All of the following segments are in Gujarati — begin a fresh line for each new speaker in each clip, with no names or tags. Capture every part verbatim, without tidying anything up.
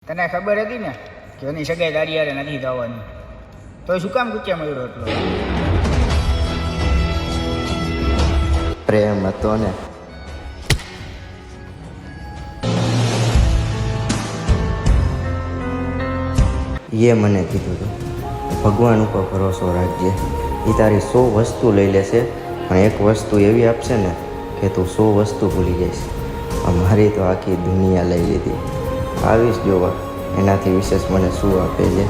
તને ખબર હતી ને કે એની સગાઈ તારી યારે નથી થવાની, તો શું કામ ગુચ્ચા મળ્યો એટલો?
પ્રેમ હતો ને. એ મને કીધું હતું ભગવાન ઉપર ભરોસો રાખજે, એ તારી સો વસ્તુ લઈ લેશે પણ એક વસ્તુ એવી આપશે ને કે તું સો વસ્તુ ભૂલી જઈશ. મારી તો આખી દુનિયા લઈ લીધી. આવીશ જોવા એનાથી વિશેષ મને શું આપે છે.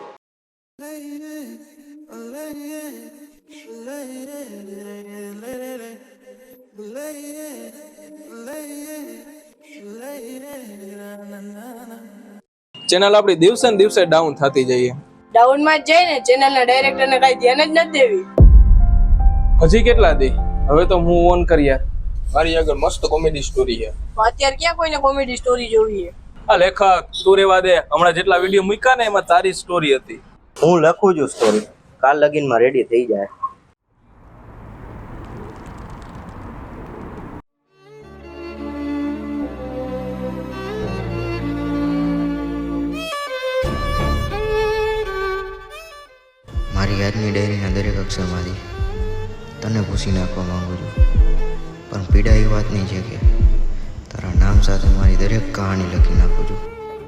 ચેનલ આપણી દિવસે ને દિવસે ડાઉન થતી જઈએ.
ડાઉન માં જ જાય ને, ચેનલ ના ડાયરેક્ટર ને કઈ ધ્યાન જ નથી દેવી.
હજી કેટલા દે? હવે તો હું ઓન કરી યાર, મારી આગળ મસ્ત કોમેડી સ્ટોરી છે.
અત્યારે ક્યાં કોઈને કોમેડી સ્ટોરી જોવી છે?
આ લેખક તું રેવા દે, હમણાં જેટલા વિડીયો મૂક્યા ને એમાં તારી સ્ટોરી હતી.
હું લખું છું સ્ટોરી, કાલ લગીનમાં રેડી થઈ જાય. મારી આજની ડાયરીના દરેક અક્ષરમાંથી તને પૂછી નાખવા માંગુ છું, પણ પીડા એ વાતની છે કે તારા નામ સાથે મારી દરેક કહાણી લખી નાખું છું.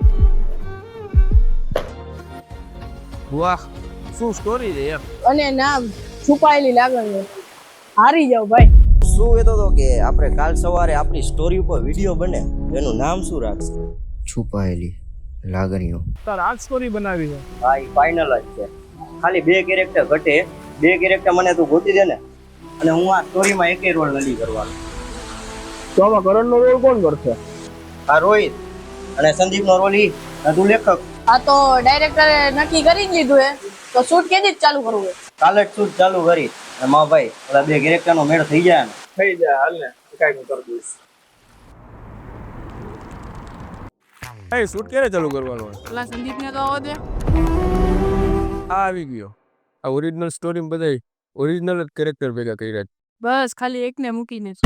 વાહ, શું સ્ટોરી છે યાર.
અને નામ છુપાયેલી લાગણીઓ. હારી જાવ ભાઈ.
શું કહેતો હતો કે આપણે કાલ સવારે આપણી સ્ટોરી ઉપર વિડીયો બને, એનું નામ શું રાખશે? છુપાયેલી લાગણીઓ.
તાર આ સ્ટોરી બનાવી છે?
હા, એ ફાઇનલ જ છે. ખાલી બે કેરેક્ટર ઘટે, બે કેરેક્ટર મને તું ગોતી દે ને, અને હું આ સ્ટોરીમાં એકેય રોલ નથી કરવાનો.
તો આમાં કરણનો રોલ કોણ કરશે?
આ રોહિત અને સંદીપનો રોલ ઈ, તું લેખક.
આ તો ડાયરેક્ટરે નક્કી કરી જ લીધું હે, તો શૂટ કેદી જ ચાલુ કરવું હે?
કાલે જ શૂટ ચાલુ કરી અને મા ભાઈ ઓલા બે કેરેક્ટરનો મેળ થઈ જાય ને.
થઈ જાય, હાલ ને કાઈ હું કરી દઈશ. એ શૂટ ક્યારે ચાલુ કરવાનો?
પેલા સંદીપ ને તો આવવા દે.
આ આવી ગયો. આ ઓરિજિનલ સ્ટોરી બધાય ઓરિજિનલ જ કેરેક્ટર ભેગા કર્યા.
બસ ખાલી એકને મૂકીને જ.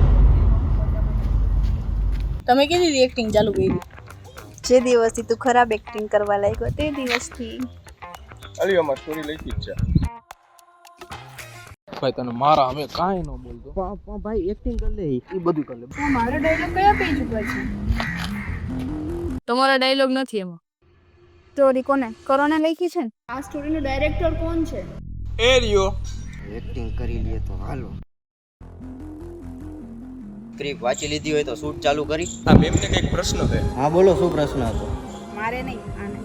તમે કીધી એક્ટિંગ ચાલુ કરી?
જે દિવસથી તું ખરાબ એક્ટિંગ કરવા લાગ્યો તે દિવસથી.
અલી અમાર સ્ટોરી લખી જ છે. ભાઈ તને મારા અમે કાઈ ન બોલતો.
ભાઈ એક્ટિંગ કરી લે, એ બધું કરી લે.
મારો ડાયલોગ કયા પેજ ઉપર છે? તમારા ડાયલોગ નથી એમાં.
સ્ટોરી કોને કોરોના લખી છે ને?
આ સ્ટોરીનો ડાયરેક્ટર કોણ છે?
એ રહ્યો.
એક્ટિંગ કરી લે તો હાલો. સ્ક્રિપ્ટ વાંચી લીધી હોય તો શૂટ ચાલુ કરી.
આ મેમને કઈક પ્રશ્ન છે.
હા બોલો, શું પ્રશ્ન હતો?
મારે નહીં, આને.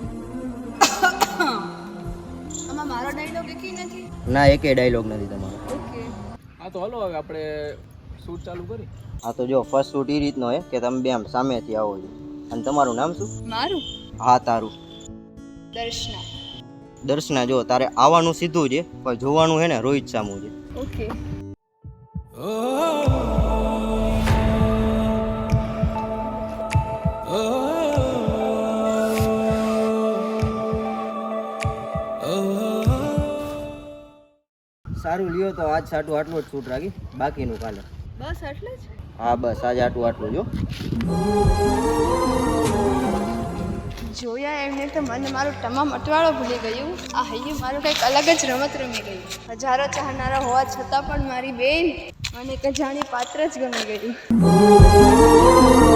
આમાં મારો ડાયલોગ એકી નથી.
ના, એકેય ડાયલોગ નથી તમારો.
ઓકે.
હા તો હલો હવે આપણે શૂટ ચાલુ કરી.
હા તો જો ફર્સ્ટ શૂટ એ રીતનો હે કે તમે બે આમ સામેથી આવો છો. અને તમારું નામ શું?
મારું
હા તારું.
દર્શના.
દર્શના. જો તારે આવવાનું સીધું છે પણ જોવાનું હે ને રોહિત સામું છે.
ઓકે.
સારું લ્યો તો આજ સાટું આટલું જ શૂટ રાખી, બાકીનું કાલે.
બસ એટલે જ.
હા બસ આજે આટલું આટલું જો.
જોયા એમને તો મને મારું તમામ અટવાળો ભૂલી ગયું. આ હૈયું મારું કંઈક અલગ જ રમત રમી ગયું. હજારો ચાહનારા હોવા છતાં પણ મારી બેન મને એક જાણી પાત્ર જ ગમી ગયું.